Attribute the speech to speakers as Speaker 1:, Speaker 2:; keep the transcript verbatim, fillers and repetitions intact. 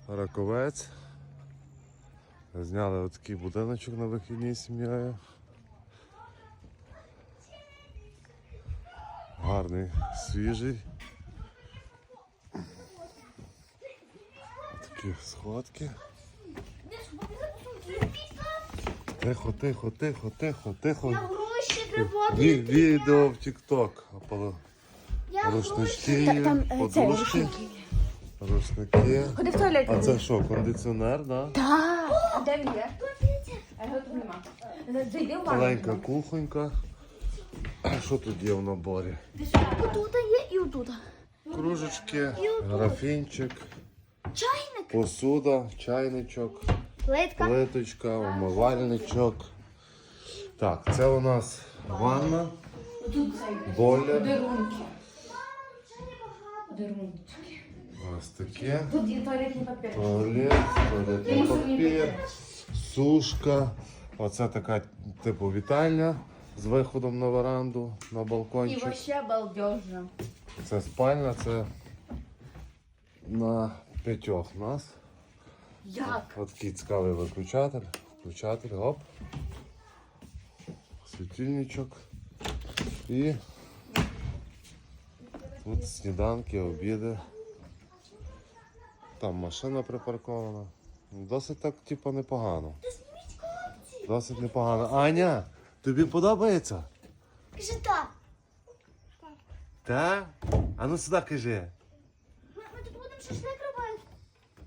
Speaker 1: Раковець. Зняли отакий будиночок на вихідній з сім'єю. Гарний, свіжий. Такі сходки. Тихо, тихо, тихо, тихо, тихо.
Speaker 2: Я гроші треба.
Speaker 1: Ві- Відео в тік-ток.
Speaker 2: Я
Speaker 1: Рушнички
Speaker 2: Та-
Speaker 1: є,
Speaker 2: там, е, це,
Speaker 1: подушки, рушники.
Speaker 2: Ходи в туалет.
Speaker 1: А це що, кондиціонер, да?
Speaker 2: Так. А де він є? А його тут нема. Зайди в ванну.
Speaker 1: Маленька кухонька. А що тут є в наборі?
Speaker 2: Отут є і отут.
Speaker 1: Кружечки, графінчик,
Speaker 2: Чайник.
Speaker 1: посуда, чайничок,
Speaker 2: Плитка.
Speaker 1: плиточка, умивальничок. Так, це у нас ванна,
Speaker 2: Тут цей.
Speaker 1: бойлер.
Speaker 2: Подарунки. Подарунки.
Speaker 1: Ось таке.
Speaker 2: Тут є туалетний папір.
Speaker 1: Туалет, туалетний папір, сушка. Оце така типу вітальня з виходом на веранду, на
Speaker 2: І
Speaker 1: балкончик.
Speaker 2: вообще балдежно.
Speaker 1: Це спальня, це на п'ятьох нас.
Speaker 2: Як?
Speaker 1: Ось такий цікавий виключатель. Включатель, оп. Світильничок. І тут сніданки, обіди. Там машина припаркована. Досить так, типу, непогано. Досить непогано. Аня, тобі подобається?
Speaker 2: Кажи так.
Speaker 1: Так? А ну сюди кажи.